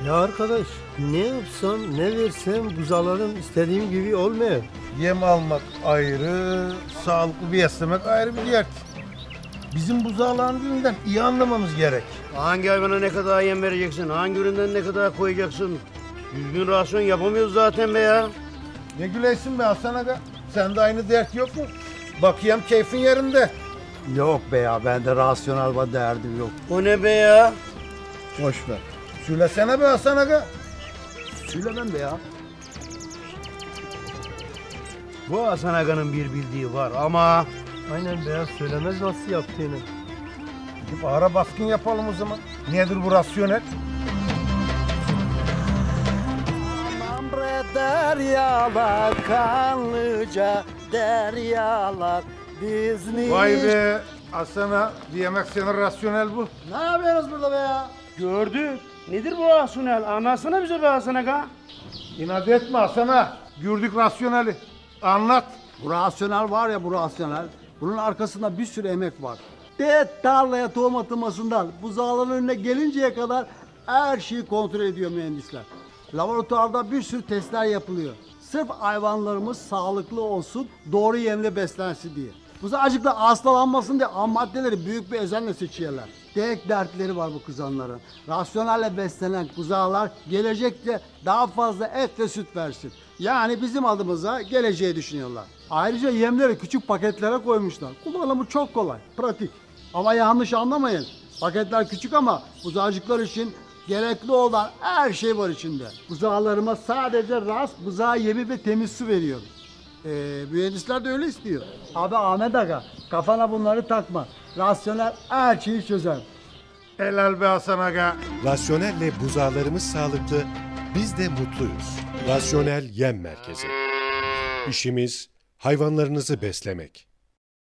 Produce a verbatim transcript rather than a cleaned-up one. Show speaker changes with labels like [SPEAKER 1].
[SPEAKER 1] Ya arkadaş, ne yapsam ne versem buzaların istediğim gibi olmuyor.
[SPEAKER 2] Yem almak ayrı, sağlıklı beslemek ayrı bir dert. Bizim buzağların dilinden iyi anlamamız gerek.
[SPEAKER 3] Hangi hayvana ne kadar yem vereceksin? Hangi üründen ne kadar koyacaksın? Düzgün rasyon yapamıyoruz zaten be ya.
[SPEAKER 2] Ne güleysin be Hasan Aga? Sende aynı dert yok mu? Bakayım keyfin yerinde.
[SPEAKER 4] Yok be ya, bende rasyonel bir derdim yok.
[SPEAKER 3] O ne be ya?
[SPEAKER 2] Boş ver. Söylesene be Hasan Aga.
[SPEAKER 4] Söylemem be ya.
[SPEAKER 3] Bu Hasan Aga'nın bir bildiği var ama...
[SPEAKER 1] Aynen beyaz söylemez nasıl yaptığını.
[SPEAKER 2] Gidip ara baskın yapalım o zaman. Nedir bu rasyonel?
[SPEAKER 4] Aman bre deryalar, kanlıca deryalar, Disney.
[SPEAKER 2] Vay be Hasan Ağa, diyemek senin rasyonel bu.
[SPEAKER 4] Ne yapıyorsunuz burada be ya?
[SPEAKER 3] Gördük. Nedir bu rasyonel? Anlatsana bize be Hasan Aga.
[SPEAKER 2] İnat etme Hasan Ağa. Gördük rasyoneli. Anlat.
[SPEAKER 4] Bu rasyonel var ya, bu rasyonel. Bunun arkasında bir sürü emek var. De tarlaya tohum atılmasından buzağların önüne gelinceye kadar her şeyi kontrol ediyor mühendisler. Laboratuvarda bir sürü testler yapılıyor. Sırf hayvanlarımız sağlıklı olsun, doğru yemle beslensin diye. Buzağcıklar hastalanmasın diye ham maddeleri büyük bir özenle seçiyorlar. Tek dertleri var bu kızanların. Rasyonelle beslenen buzağlar gelecekte daha fazla et ve süt versin. Yani bizim adımıza geleceği düşünüyorlar. Ayrıca yemleri küçük paketlere koymuşlar. Kullanımı çok kolay, pratik. Ama yanlış anlamayın. Paketler küçük ama buzağcıklar için gerekli olan her şey var içinde. Buzağlarıma sadece rast buzağı yemi ve temiz su veriyorum. Ee, mühendisler de öyle istiyor. Abi Ahmet Aga, kafana bunları takma. Rasyonel her şeyi çözer.
[SPEAKER 2] Helal be Hasan Aga.
[SPEAKER 5] Rasyonelle buzağlarımız sağlıklı, biz de mutluyuz. Rasyonel Yem Merkezi. İşimiz hayvanlarınızı beslemek.